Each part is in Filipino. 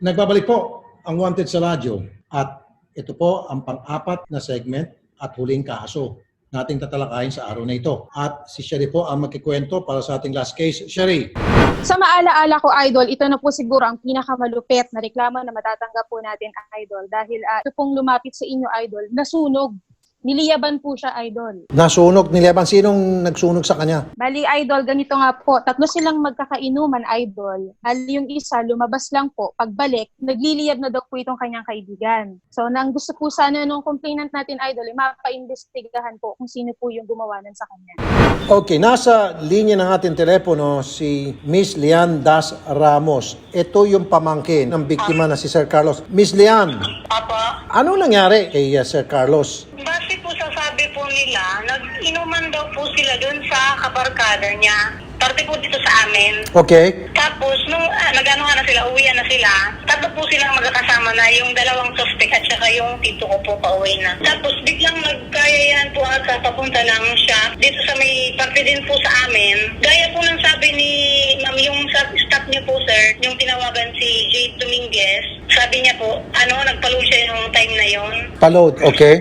Nagbabalik po ang Wanted sa radyo at ito po ang pang-apat na segment at huling kaso nating tatalakayin sa araw na ito. At si Sherry po ang magkikwento para sa ating last case. Sherry. Sa maalaala ko, Idol, ito na po siguro ang pinakamalupit na reklamo na matatanggap po natin, Idol. Dahil ito pong lumapit sa inyo, Idol, nasunog. Niliyaban po siya, Idol. Nasunog, nilaban. Sinong nagsunog sa kanya? Bali, Idol, ganito nga po. Tatlo silang magkakainuman, Idol. Yung isa, lumabas lang po. Pagbalik, nagliliyab na daw po itong kanyang kaibigan. So, nang gusto po sana nung complainant natin, Idol, mapaimbestigahan po kung sino po yung gumawa nun sa kanya. Okay, nasa linya ng ating telepono si Miss Lian Das Ramos. Ito yung pamangkin ng biktima na si Sir Carlos. Miss Lian, Apa, ano nangyari kay Sir Carlos? base po sa sabi po nila, nag-inuman daw po sila dun sa kabarkada niya. Parte po dito sa amin. Okay. Tapos, nung nag-anuhan na sila, uwian na sila, tatlo po silang magkakasama na yung dalawang suspect at saka yung tito ko po pauwi na. Tapos, biglang nagkayayan po ata, papunta lang siya dito sa may parte din po sa amin. Gaya po ng sabi ni ma'am, yung staff niyo po, sir, yung tinawagan si Jade Dominguez, sabi niya po, nagpalo siya yung time na yon. Palod, okay.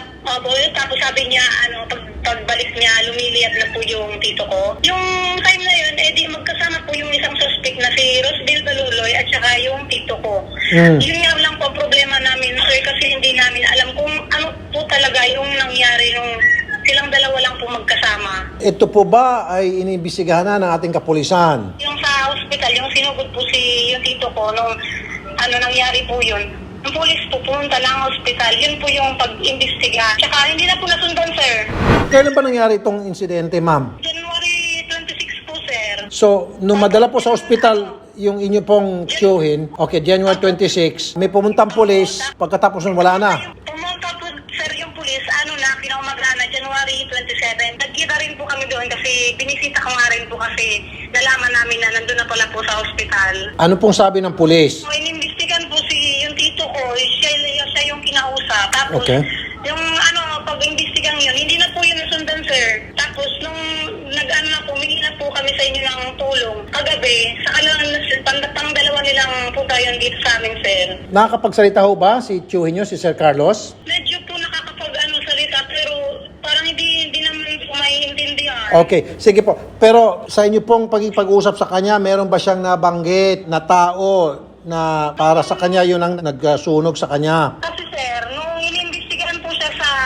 Tapos sabi niya, pagbalik niya, lumiliyab na po yung tito ko. Yung time na yun, di magkasama po yung isang suspect na si Rosbel Baluloy at saka yung tito ko. Yun nga lang po ang problema namin, sir, kasi hindi namin alam kung ano po talaga yung nangyari nung silang dalawa lang po magkasama. Ito po ba ay iniimbestigahan na ng ating kapulisan? Yung sa hospital, yung sinugod po yung tito ko, nung nangyari po yun, ang pulis po pumunta lang hospital, yun po yung pag-imbestiga. Tsaka hindi na po nasundan, sir. Kailan ba nangyari itong insidente, ma'am? January 26 po, sir. So, nung madala po sa ospital yung inyo pong tiyuhin, okay, January 26, may pumuntang pulis, pagkatapos nun wala na. Pumunta po, sir, yung pulis, pinaumagaan na January 27. Nagkita rin po kami doon kasi binisita ko nga rin po kasi nalaman namin na nandun na pala po sa ospital. Ano pong sabi ng pulis? So, inimbestigan po yung tito ko, siya yung kinausap. Tapos, Okay. yung pag-imbestigan yun, hindi na po yun nasundan, sir. Tapos, nung humingi na po kami sa inyo ng tulong. Kagabi, sa pang dalawa nilang punta yun dito sa amin, sir. Nakakapagsalita ho ba si tiyuhin nyo, si Sir Carlos? Medyo po salita, pero parang hindi naman po maiintindihan. Okay, sige po. Pero sa inyo pong pag-usap sa kanya, meron ba siyang nabanggit na tao na para sa kanya yun ang nagsunog sa kanya? Kasi sir, nung inimbestigahan po siya sa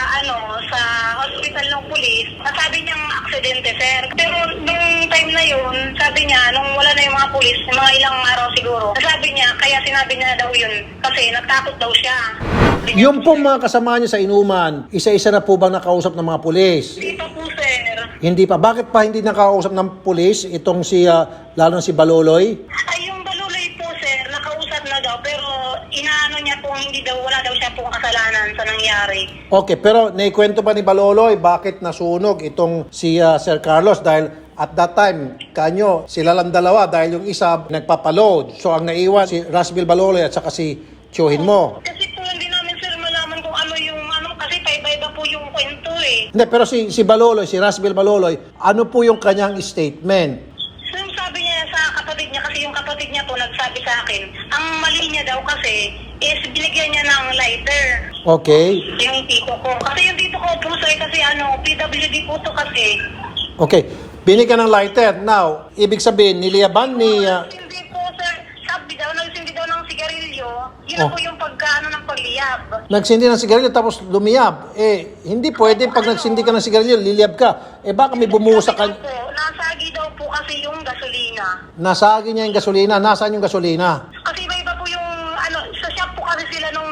hospital ng pulis, nasabi niyang aksidente, sir. Pero nung time na yun, sabi niya, nung wala na yung mga pulis, mga ilang araw siguro, nasabi niya, kaya sinabi niya daw yun, kasi natakot daw siya. Yung pong mga kasama niya sa inuman, isa-isa na po bang nakausap ng mga pulis? Hindi pa po, sir. Hindi pa. Bakit pa hindi nakausap ng pulis itong lalo na si Baloloy? Ay, yung Baluloy po, sir, nakausap na daw, pero inaano niya po, wala daw siya pong kasalanan sa nangyari. Okay, pero naikwento ba ni Baloloy bakit nasunog itong si Sir Carlos? Dahil at that time, kanyo, sila lang dalawa dahil yung isa nagpapaload. So ang naiwan si Rosbel Baloloy at saka si tiyuhin mo. Kasi po hindi namin, sir, malaman kung kasi paiba-iba po yung kwento eh. Hindi, pero si Baloloy, si Rosbel Baloloy, ano po yung kanyang statement? So yung sabi niya sa kapatid niya, kasi yung kapatid niya po nagsabi sa akin, ang mali niya daw kasi is binigyan niya ng lighter. Okay. Yung tito ko. Kasi yung tito ko po, sir, kasi PWD po to kasi. Okay. Binigyan ng lighter. Now, ibig sabihin, niliyaban ni... Hindi po, sir. Nagsindi daw ng sigarilyo. Yun po yung ng pagliyab. Nagsindi ng sigarilyo tapos lumiyab. Hindi pwede pag nagsindi ka ng sigarilyo, liliyab ka. Baka may bumusa ka... Nasagi daw po kasi yung gasolina. Nasagi niya yung gasolina. Nasaan yung gasolina? Kasi iba po yung, sa shop po kasi sila nung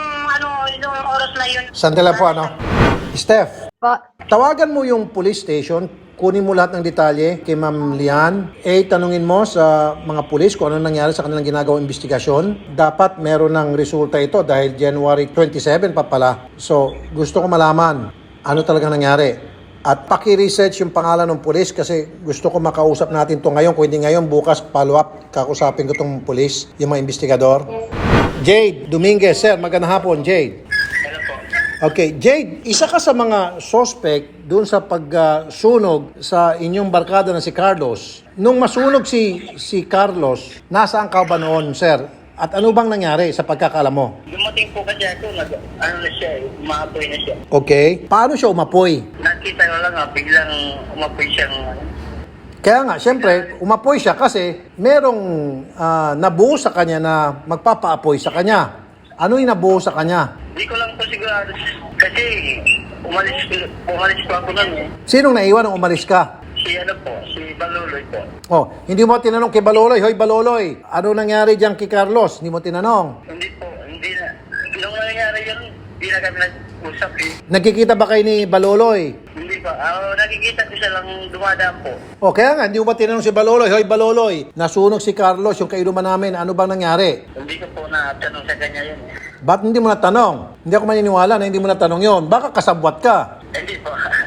oras na yun. Sandali po, Steph, Po, tawagan mo yung police station, kunin mo lahat ng detalye kay Ma'am Lian. Tanungin mo sa mga pulis kung ano nangyari sa kanilang ginagawang investigasyon. Dapat meron ng resulta ito dahil January 27 pa pala. So, gusto ko malaman ano talaga nangyari. At paki-research yung pangalan ng pulis kasi gusto ko makausap natin to ngayon. Kung hindi ngayon, bukas follow-up, kakusapin ko tong pulis, yung mga investigador. Jade Dominguez, sir, magandang hapon, Jade. Okay, Jade, isa ka sa mga suspect doon sa pagsunog sa inyong barkada na si Carlos. Nung masunog si Carlos, nasaan ka ba noon, sir? At ano bang nangyari sa pagkakaalam mo? Dumating po kasi ako, ano na siya, umaapoy na siya. Okay. Paano siya umapoy? Nakita ko lang biglang umapoy siyang Kaya nga, siyempre, umapoy siya kasi merong nabuo sa kanya na magpapaapoy sa kanya. Ano yung nabuo sa kanya? Hindi ko lang po sigurado kasi umalis po ako nun eh. Sinong naiwan nung umalis ka? Si Baluloy po. Oh, hindi mo tinanong kay Baloloy, hoy Baloloy, ano nangyari diyan kay Carlos? Hindi mo tinanong. Hindi po, hindi na. Nung nangyari yun, hindi na kami nag-usap eh. Nagkikita ba kayo ni Baloloy? Hindi pa. Nakikita ko siya lang dumadaan po. O kaya nga, hindi mo ba tinanong si Baloloy, hoy Baloloy, nasunog si Carlos, yung kainuman namin, ano bang nangyari? Hindi ko po natanong sa kanya yun eh. Ba't hindi mo natanong? Hindi ako maniniwala na hindi mo natanong yon. Baka kasabwat ka. Hindi po.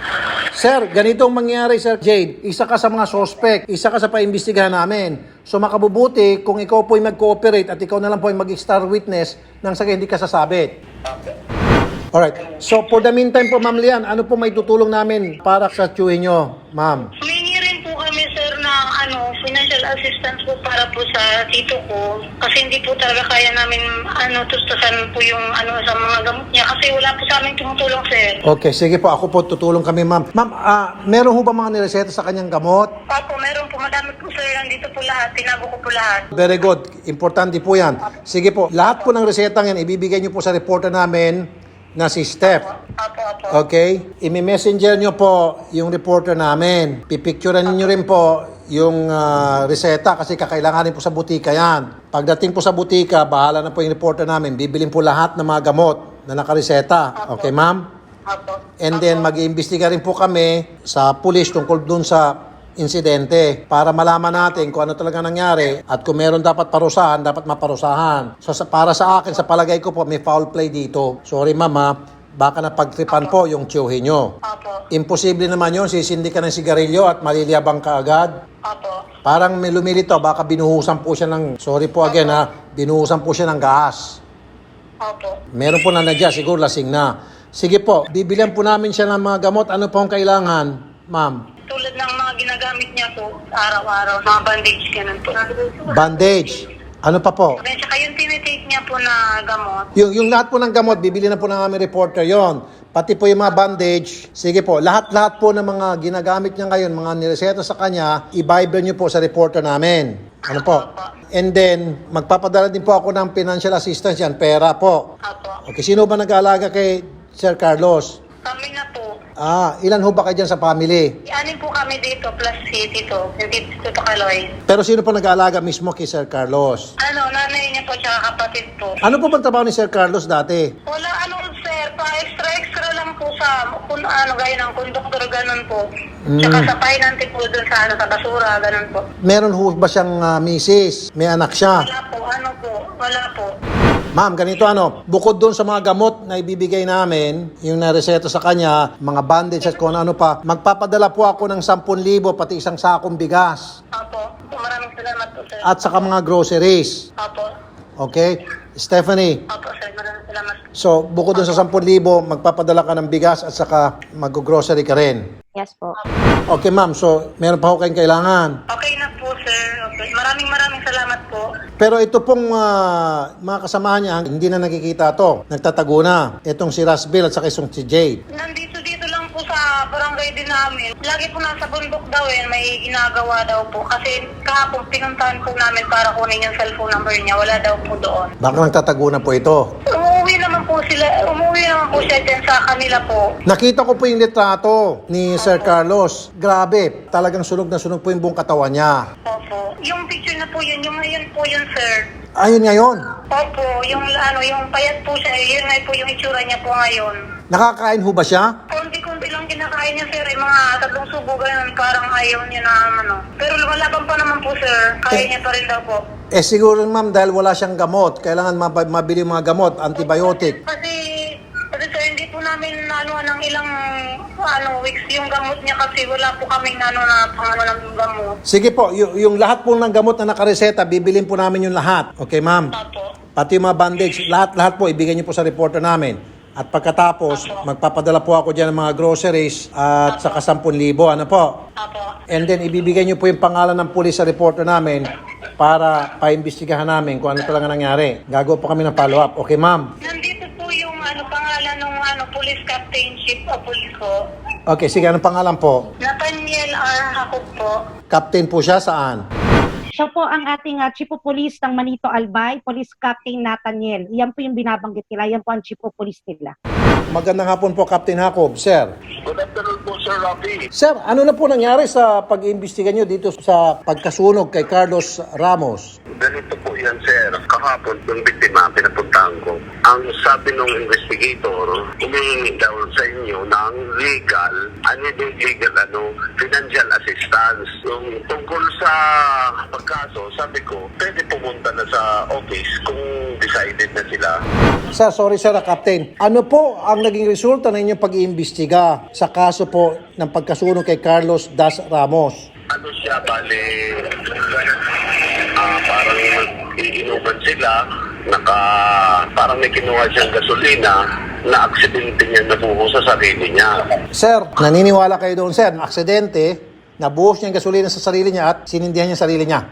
Sir, ganito ang mangyari, Sir Jade. Isa ka sa mga suspect, isa ka sa paimbestigahan namin. So makabubuti kung ikaw po ay mag-cooperate at ikaw na lang po ay mag-star witness nang sa hindi ka sasabit. Okay. Alright. So for the meantime po, Ma'am Lian, ano po may tutulong namin para sa tiyuhin nyo, Ma'am? Humingi rin po kami, sir, ng financial assistance po para po sa tito ko. Kasi hindi po talaga kaya namin tustusan po yung sa mga gamot niya. Kasi wala po sa amin tumutulong, sir. Okay, sige po. Ako po tutulong kami, Ma'am. Ma'am, meron ho ba mga nireseta sa kanyang gamot? Opo, meron po. Madami po, sir. Nandito po lahat. Tinago ko po lahat. Very good. Importante po yan. Sige po. Lahat po ng resetang yan, ibibigay nyo po sa reporter namin na si Steph. Opo, opo. Okay? I-messenger nyo po yung reporter namin. Pipicturean nyo rin po yung reseta kasi kakailanganin po sa butika yan. Pagdating po sa butika, bahala na po yung reporter namin. Bibilin po lahat ng mga gamot na nakareseta. Okay, ma'am? Opo. And then mag-iimbestiga rin po kami sa pulis tungkol dun sa insidente para malaman natin kung ano talaga nangyari at kung meron dapat parusahan, dapat maparusahan. So para sa akin, sa palagay ko po, may foul play dito. Sorry mama, baka napagtripan po yung tiyuhin nyo. Opo. Imposible naman yun, sisindi ka ng sigarilyo at maliliyabang ka agad. Opo. Parang may lumilito, baka binuhusan po siya ng, sorry po again binuhusan po siya ng gas. Opo. Meron po na nadya, siguro lasing na. Sige po, bibilihan po namin siya ng mga gamot. Ano po ang kailangan, ma'am? Tulad ng mga ginagamit niya po araw-araw, mga bandage, ganun po. Bandage. Ano pa po? Then, saka yung tinitake niya po na gamot. Yung lahat po ng gamot, bibili na po ng aming reporter yon. Pati po yung mga bandage. Sige po, lahat po ng mga ginagamit niya ngayon, mga nireseta sa kanya, i-bible niyo po sa reporter namin. Ano po? And then, magpapadala din po ako ng financial assistance yan, pera po. Opo. Okay, sino ba nag-aalaga kay Sir Carlos? Kami na po. Ilan ho ba kayo dyan sa family? Anin po kami dito, plus si Tito, yung Tito Kaloy. Pero sino po nag-aalaga mismo kay Sir Carlos? Nanay niya po, tsaka kapatid po. Ano po bang trabaho ni Sir Carlos dati? Wala, sir, extra lang po sa, gaya ng konduktor, ganun po. Tsaka sa pahinante po dun sa, sa basura, ganun po. Meron ho ba siyang misis? May anak siya? Wala po. Ma'am, ganito bukod doon sa mga gamot na ibibigay namin, yung nareseto sa kanya, mga bandage at kung ano pa, magpapadala po ako ng 10,000 pati isang sakong bigas. Opo. Maraming salamat po, sir. At saka mga groceries. Opo. Okay? Stephanie, Opo, sir. Maraming salamat. so bukod doon sa 10,000, magpapadala ka ng bigas at saka mag-grocery ka rin. Yes po. Okay ma'am, so meron pa ho kayong kailangan. Okay na po, sir. Okay. Maraming salamat po. Pero ito pong mga kasamahan niya, hindi na nakikita to. Nagtatago na. Itong si Rasbil at saka itong si Jade. Nandito lang po sa barangay din namin. Lagi po nasa bundok daw may ginagawa daw po. Kasi kahapon pinuntahan po namin para kunin yung cellphone number niya. Wala daw po doon. Baka nagtatago na po ito. Umuwi naman po siya dyan sa kanila po. Nakita ko po yung litrato ni Sir Carlos. Grabe, talagang sunog na sunog po yung buong katawan niya. Opo. Yung picture na po yun, yung ngayon po yun, sir. Ayun ngayon. Opo, yung payat po siya, yun nga po yung itsura niya po ngayon. Nakakain ho ba siya? Konti-konti lang kinakain niya, sir. Mga 3 subo ganun, parang ayaw niya na pero lumalaban pa naman po, sir. Kaya niya pa rin daw po. Siguro ma'am, dahil wala siyang gamot, kailangan mabili yung mga gamot, antibiotic. Kasi sir, hindi po namin ng ilang weeks yung gamot niya kasi wala po kaming ng gamot. Sige po, yung lahat po ng gamot na nakareseta, bibilin po namin yung lahat. Okay ma'am? Opo. Pati yung mga bandage, lahat po, ibigay niyo po sa reporter namin. At pagkatapos, magpapadala po ako dyan ng mga groceries at saka 10,000. Ano po? Opo. And then, ibibigay niyo po yung pangalan ng pulis sa reporter namin para paimbestigahan namin kung ano talaga nangyari. Gagawa po kami ng follow-up. Okay, ma'am? Nandito po yung pangalan ng police captainship o police ko. Okay, sige. Anong pangalan po? Nathaniel R. Hakot po. Captain po siya saan? Siya po ang ating Chief of Police ng Manito Albay, Police Captain Nathaniel. Yan po yung binabanggit nila. Yan po ang Chief of Police nila. Magandang hapon po, Captain Jacob. Sir. Good afternoon po, Sir Rafi. Sir, ano na po nangyari sa pag-iimbestiga nyo dito sa pagkasunog kay Carlos Ramos? Ganito po yan, Sir. Kahapon, yung biktima, pinapuntahan ko. Ang sabi ng investigator, humingi daw sa inyo ng legal, financial assistance. Yung tungkol sa pagkaso, sabi ko, pwede pumunta na sa office kung decided na sila. Sir, sorry sir, Captain. Ano po ang naging resulta ng inyong pag-iimbestiga sa kaso po ng pagkasunog kay Carlos Das Ramos? Ano siya, bale, parang iinuman sila, parang may kinuha siyang gasolina, na aksidente niya nabuho sa sarili niya. Sir, naniniwala kayo doon, sir, na aksidente, nabuhos niya ang gasolina sa sarili niya at sinindihan niya ang sarili niya?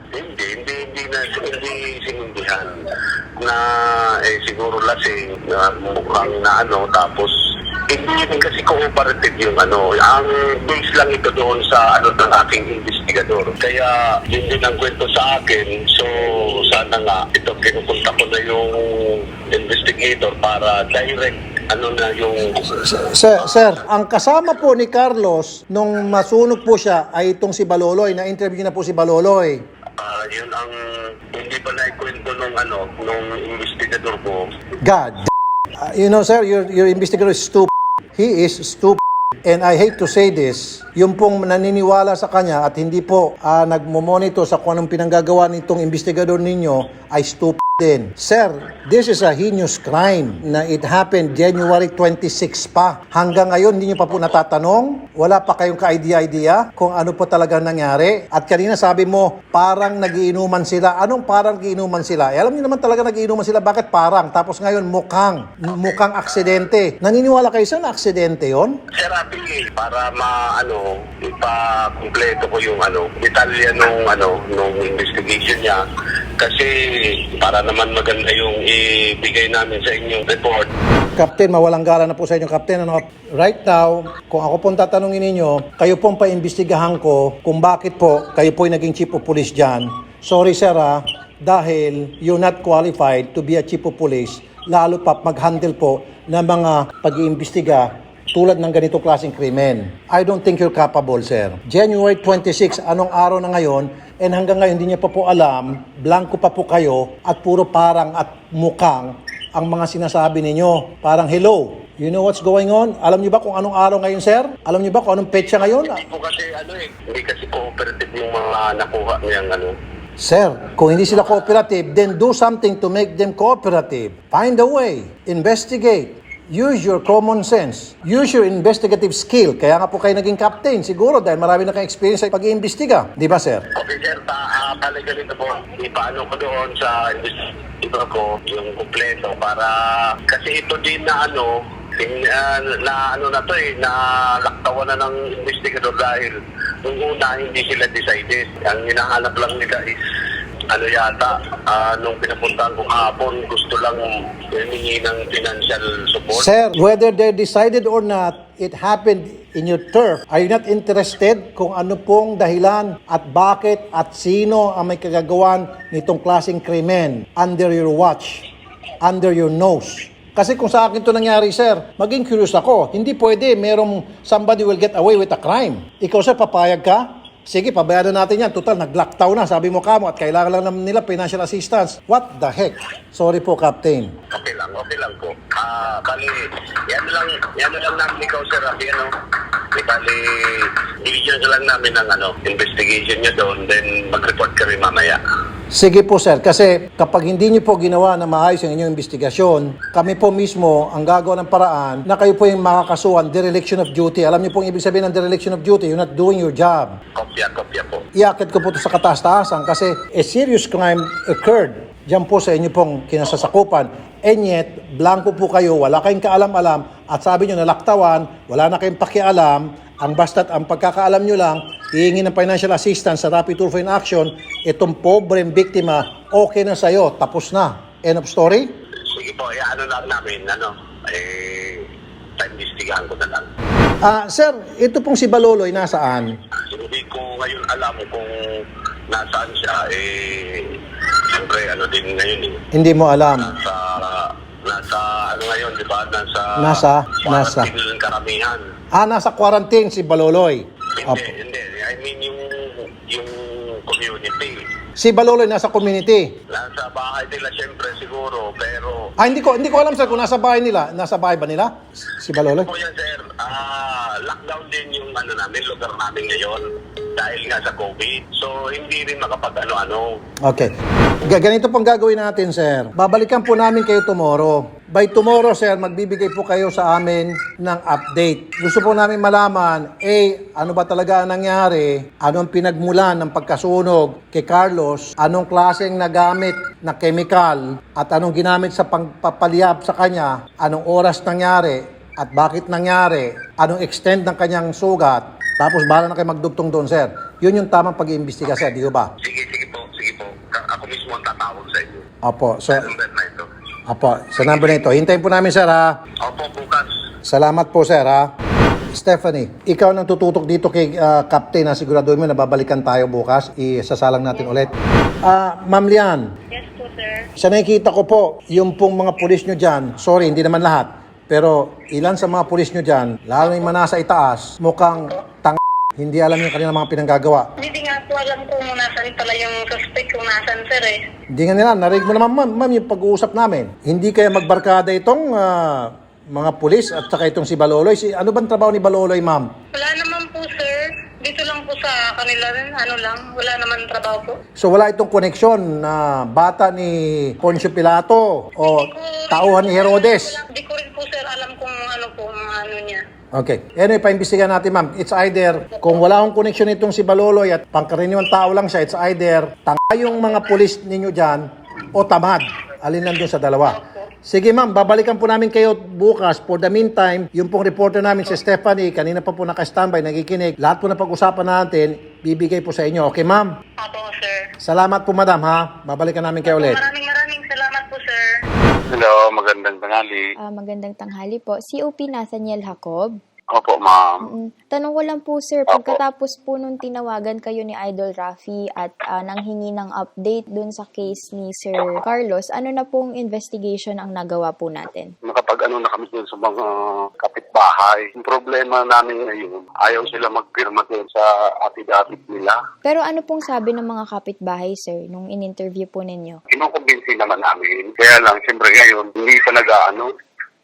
Hindi sinindihan na siguro lasing na mukhang tapos hindi rin kasi cooperative yung ang base lang ito doon sa ng aking investigador. Kaya yun din ang kwento sa akin. So sana nga ito pinupunta ko na yung investigator para direct yung... Sir, ang kasama po ni Carlos nung masunog po siya ay itong si Baloloy. Na-interview na po si Baloloy. Yun ang hindi pa naikwento nung investigador ko. God. You know, sir, your investigator is stupid. He is stupid. And I hate to say this, yung pong naniniwala sa kanya at hindi po nagmo-monitor sa kung anong pinanggagawa nitong investigador ninyo ay stupid din. Sir, this is a heinous crime na it happened January 26 pa. Hanggang ngayon, hindi nyo pa po natatanong? Wala pa kayong ka-idea kung ano po talaga nangyari? At kanina sabi mo, parang nagiinuman sila. Anong parang nagiinuman sila? Alam niyo naman talaga nagiinuman sila. Bakit parang? Tapos ngayon, mukhang aksidente. Naniniwala kayo sa aksidente yon? Sir Rafi, para ipa-kumpleto ko yung detalye nung investigation niya. Kasi para naman maganda yung ibigay namin sa inyong report. Captain, mawalang gala na po sa inyo, Captain. Right now, kung ako pong tatanungin ninyo, kayo pong paimbestigahan ko kung bakit po kayo po yung naging chief of police dyan. Sorry, sir, dahil you're not qualified to be a chief of police, lalo pa mag-handle po ng mga pag-iimbestiga tulad ng ganitong klaseng krimen. I don't think you're capable, sir. January 26, anong araw na ngayon, and hanggang ngayon hindi niya pa po alam, blanco pa po kayo, at puro parang at mukhang ang mga sinasabi ninyo. Parang, hello, you know what's going on? Alam niyo ba kung anong araw ngayon, sir? Alam niyo ba kung anong petsa ngayon? Hindi po kasi hindi kasi cooperative yung mga nakuha niyang Sir, kung hindi sila cooperative, then do something to make them cooperative. Find a way. Investigate. Use your common sense. Use your investigative skill. Kaya nga po kayo naging captain, siguro, dahil marami na kayong experience sa pag-iimbestiga. Di ba, sir? Okay, sir. Talaga nito po. Ipaano ko doon sa investigator ko yung kumpleto para kasi ito din na laktawan na ng investigador dahil nung una hindi sila decided. Ang hinahanap lang nila is nung pinapuntahan ko kahapon, gusto lang humingi ng financial support. Sir, whether they decided or not, it happened in your turf. Are you not interested kung ano pong dahilan at bakit at sino ang may kagagawan nitong klaseng krimen under your watch, under your nose? Kasi kung sa akin to nangyari, sir, maging curious ako. Hindi pwede, merong somebody will get away with a crime. Ikaw, sir, papayag ka? Sige, pabayaran natin yan. Total, nag-lockdown na, sabi mo kamo, at kailangan lang naman nila financial assistance. What the heck? Sorry po, Captain. Okay lang po. Kali, yan lang namin ikaw, sir, Kali, division lang namin ng investigation niya doon, then mag-report ka rin mamaya. Sige po, sir, kasi kapag hindi niyo po ginawa na maayos ang inyong investigasyon, kami po mismo ang gagawa ng paraan na kayo po yung makakasuhan, dereliction of duty. Alam niyo po ang ibig sabihin ng dereliction of duty, you're not doing your job. Kopya po. Iakit ko po ito sa kataas-taasan kasi a serious crime occurred diyan po sa inyo pong kinasasakupan. And yet, blanco po kayo, wala kayong kaalam-alam at sabi niyo nalaktawan, wala na kayong pakialam Ang basta't ang pagkakaalam nyo lang, hihingi ng financial assistance sa Rapid Tulfo in Action, itong pobreng biktima, okay na sa'yo, tapos na. End of story? Sige po, ano lang namin, imbestigahan ko na lang. Sir, ito pong si Baloloy, nasaan? Hindi ko ngayon alam kung nasaan siya, siyempre, din ngayon Hindi mo alam. Nasa ano ngayon, di ba? Nasa? quarantine ng karamihan. Nasa quarantine si Baloloy. Hindi. I mean yung community. Si Baloloy nasa community. Nasa bahay nila siyempre siguro, pero Hindi ko alam sir kung nasa bahay nila. Nasa bahay ba nila? Si Baloloy? po yan sir, lockdown din yung lugar namin ngayon dahil nga sa COVID. So hindi rin makapag ano-ano. Okay. Ganito pong gagawin natin, sir. Babalikan po namin kayo tomorrow. By tomorrow, sir, magbibigay po kayo sa amin ng update. Gusto po namin malaman, ano ba talaga ang nangyari? Anong pinagmulan ng pagkasunog kay Carlos? Anong klaseng nagamit na chemical? At anong ginamit sa pagpapaliyab sa kanya? Anong oras nangyari? At bakit nangyari? Anong extent ng kanyang sugat? Tapos bahala na kayo magdugtong doon, sir. Yun yung tamang pag-iimbestiga, sir. Di ba? Sige po. Ako mismo ang tatawag sa inyo. Opo. So, Number na ito. opo. Sa number na ito. Hintayin po namin, sir, ha? Opo, bukas. Salamat po, sir, ha? Stephanie, ikaw nang tututok dito kay Captain na siguraduhin mo na babalikan tayo bukas. Isasalang natin ulit. Ma'am Lian, Yes po, sir. sa nakikita ko po, yung pong mga pulis nyo dyan, sorry, hindi naman lahat, pero ilan sa mga pulis nyo dyan, lalo yung manasa itaas, mukhang hindi alam yung kanilang mga pinanggagawa. Hindi nga po alam kung nasan pala yung suspect, kung nasan, sir Hindi nga nila, narinig mo naman ma'am yung pag-uusap namin. Hindi kaya magbarkada itong mga pulis at saka itong si Baloloy. Ano bang trabaho ni Baloloy, ma'am? Wala naman po, sir. Dito lang po sa kanila rin, wala naman trabaho po. So wala itong koneksyon na bata ni Poncio Pilato o tauhan ni Herodes. Hindi ko rin po, sir, alam kung ano po, ano niya. Okay. Anyway, paimbestigahan natin, ma'am. It's either, kung wala akong koneksyon itong si Baloloy at pangkaraniwang tao lang siya, it's either tanga yung mga pulis ninyo dyan o tamad. Alin lang dun sa dalawa. Sige, ma'am. Babalikan po namin kayo bukas. For the meantime, yung pong reporter namin si Stephanie, kanina pa po naka-standby, nagikinig. Lahat po na pag-usapan natin, bibigay po sa inyo. Okay, ma'am? Opo, sir. Salamat po, madam, ha? Babalikan namin kayo ulit. Maraming salamat po, sir. Hello, magandang tanghali. Magandang tanghali po. COP Nathaniel Jacob. Opo, ma'am. Tanong ko lang po, sir, pagkatapos po nung tinawagan kayo ni Idol Rafi at nanghingi ng update dun sa case ni Sir Carlos, ano na pong investigation ang nagawa po natin? Nakapag-ano na kami dun sa mga kapitbahay. Yung problema namin ngayon, ayaw sila magpirma dun sa affidavit nila. Pero ano pong sabi ng mga kapitbahay, sir, nung in-interview po ninyo? Kinukumbinsi naman namin. Kaya lang, siyempre ngayon, hindi pa nag-ano.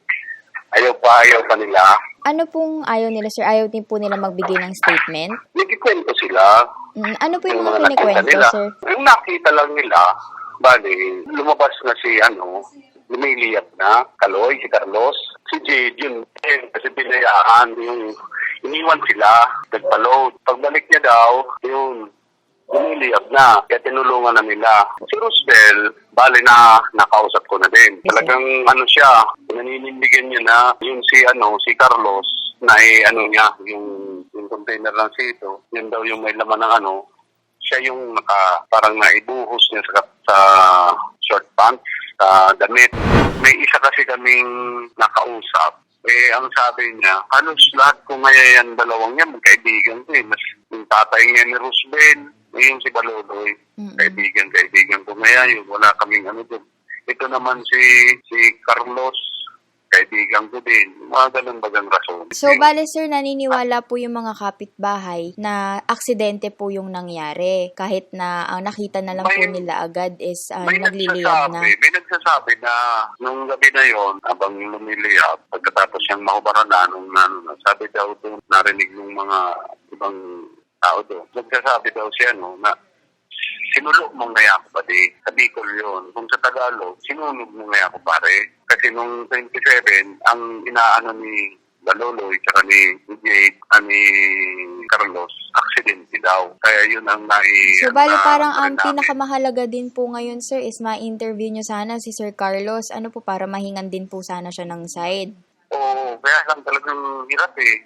Ayaw pa nila. Ano pong ayaw nila, sir? Ayaw din po nila magbigay ng statement? Nagkikwento sila. Ano po yung mga nakita kinikwento, nila. sir? Yung nakita lang nila, bali, lumabas na si lumiliyap na, Kaloy, si Carlos, si Jade, yun, kasi binayaan, yung iniwan sila, nagpaload. Pagbalik niya daw, yun, lumiliyap na, kaya tinulungan na nila. Si Roosevelt, bali na nakausap ko na din. Talagang siya, naninindigan niya na yung si Carlos, na niya, yung container lang sito, yun daw yung may laman ng siya yung parang naibuhos niya sa short pants, sa damit. May isa kasi kaming nakausap. Ang sabi niya, halos lahat kung ngayon dalawang niya, magkaibigan ko mas yung tatay niya ni Roosevelt, yung si Baloloy, kaibigan ko ngayon, wala kaming doon. Ito naman si Carlos, kaibigan ko din. Mga ganun bagang rason. So, bale sir, naniniwala po yung mga kapitbahay na aksidente po yung nangyari. Kahit na ang nakita na lang po nila agad is nagliliyab na. May nagsasabi na nung gabi na yon, habang lumiliyab, pagkatapos siyang mahubaran na, sabi daw doon, narinig ng mga ibang tao doon. Nagsasabi daw siya na sinulog mong ngaya ko pa di. Sa Bicol yun. Kung sa Tagalog, sinulog mong ngaya ko pare. Kasi nung 27, ang inaano ni Baloloy, tsaka ni Jade, ni Carlos, aksidente daw. Kaya yun ang So, bali parang ang pinakamahalaga din po ngayon, sir, is ma-interview nyo sana si Sir Carlos. Ano po, para mahingan din po sana siya ng side. Oo, kaya lang talagang hirap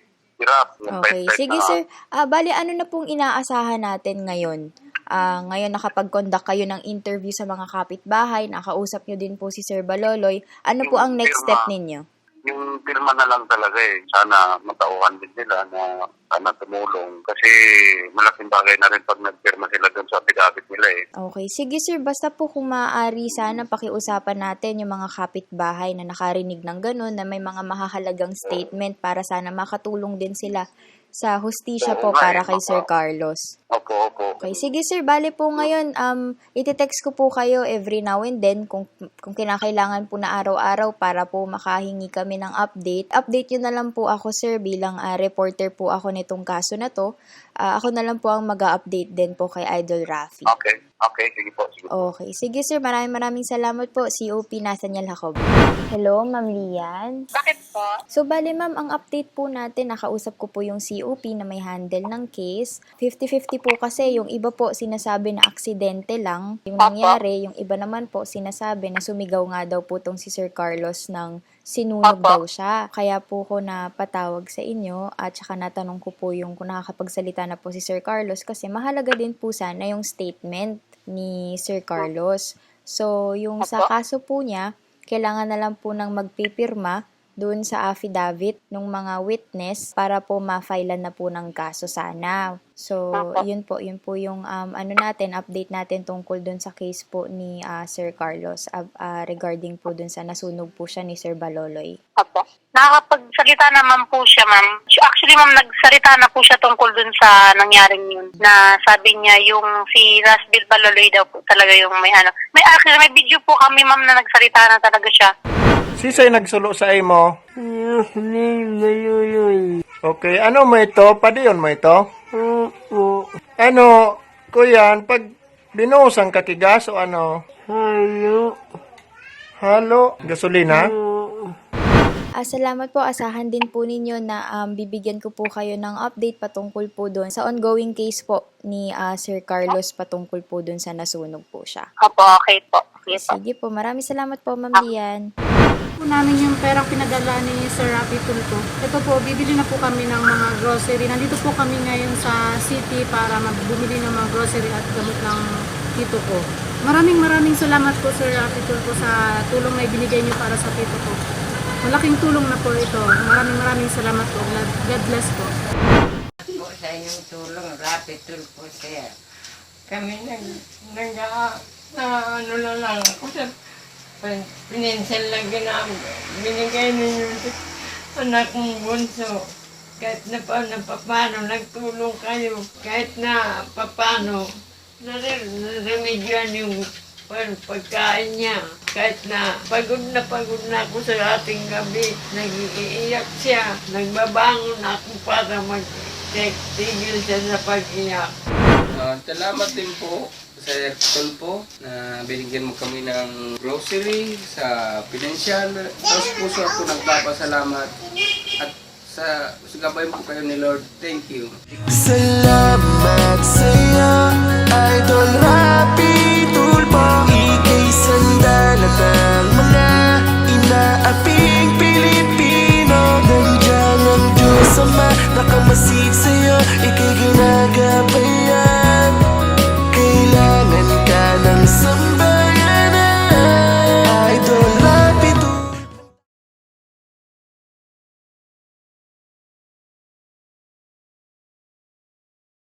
hirap. Yung Okay. pet-pet Sige na- sir, bali ano na pong inaasahan natin ngayon? Ngayon nakapag-conduct kayo ng interview sa mga kapitbahay, nakausap nyo din po si Sir Baloloy. Ano po ang next step ninyo? Yung pirma na lang talaga eh. Sana matauhan din nila na sana tumulong. Kasi malaking bagay na rin pag nagpirma sila dun sa affidavit nila eh. Okay. Sige sir, basta po kung maaari sana pakiusapan natin yung mga kapitbahay na nakarinig ng ganun, na may mga mahahalagang statement para sana makatulong din sila sa hustisya po Oo nga para eh, kay Sir baka- Carlos. Opo, opo. Okay, sige sir, bale po ngayon, iti-text ko po kayo every now and then kung kinakailangan po na araw-araw para po makahingi kami ng update. Update yun na lang po ako sir bilang reporter po ako nitong kaso na to. Ako na lang po ang mag-update din po kay Idol Rafi. Okay, okay, sige po. Sige. Okay, sige sir, maraming salamat po. COP Nathaniel Jacob. Hello, Ma'am Lian. Bakit po? So, bale ma'am, ang update po natin, nakausap ko po yung COP na may handle ng case. 50-50 po kasi, yung iba po sinasabi na aksidente lang yung nangyari, yung iba naman po sinasabi na sumigaw nga daw po tong si Sir Carlos ng sinunog daw siya. Kaya po ko napatawag sa inyo at saka natanong ko po yung kung nakakapagsalita na po si Sir Carlos kasi mahalaga din po sana yung statement ni Sir Carlos. So, yung sa kaso po niya, kailangan na lang po ng magpipirma doon sa affidavit ng mga witness para po ma-filean na po ng kaso sana. So, yun po yung update natin tungkol doon sa case po ni Sir Carlos regarding po doon sa nasunog po siya ni Sir Baloloy. Opo. Nakakapagsalita naman po siya, ma'am. Actually, ma'am, nagsalita na po siya tungkol dun sa nangyaring yun. Na sabi niya, yung si Rasbil Baloloy daw po talaga yung may ano. May video po kami, ma'am, na nagsalita na talaga siya. Sisay nagsulo sa imo? Okay, ano mo ito? Padiyon mo ito? Ano, kuyan, pag binuhusan ka tigas o ano? Halo? Gasolina? Salamat po. Asahan din po ninyo na bibigyan ko po kayo ng update patungkol po doon sa ongoing case po ni Sir Carlos patungkol po doon sa nasunog po siya. Opo, okay po. Okay po. Sige po. Maraming salamat po, Ma'am Lian. Po namin yung perang pinadala ni Sir Rafi Tulfo. Ito po, bibili na po kami ng mga grocery. Nandito po kami ngayon sa city para bumili ng mga grocery at gamot ng tito ko. Maraming salamat po Sir Rafi Tulfo sa tulong na ibinigay niyo para sa tito ko. Malaking tulong na po ito. Maraming salamat po. God bless po. Po sa inyong tulong, Rafi Tulfo sir. Kami ano na lang ako sa pinensel lang binigay ninyo sa anak mong bunso. Kahit na paano, nagtulong kayo. Kahit na paano, naremedyan yung pagkain niya. Kahit na pagod na ako sa ating gabi, nag-iiyak siya. Nagbabangon ako para mag-tigil siya sa pag-iyak. Salamat din po Sir Tulfo na binigyan mo kami ng grocery sa pinansyal. Tapos puso ako nagpapasalamat at sa gabayan po kayo ni Lord. Thank you. Salamat sa'yo, Idol Rafi.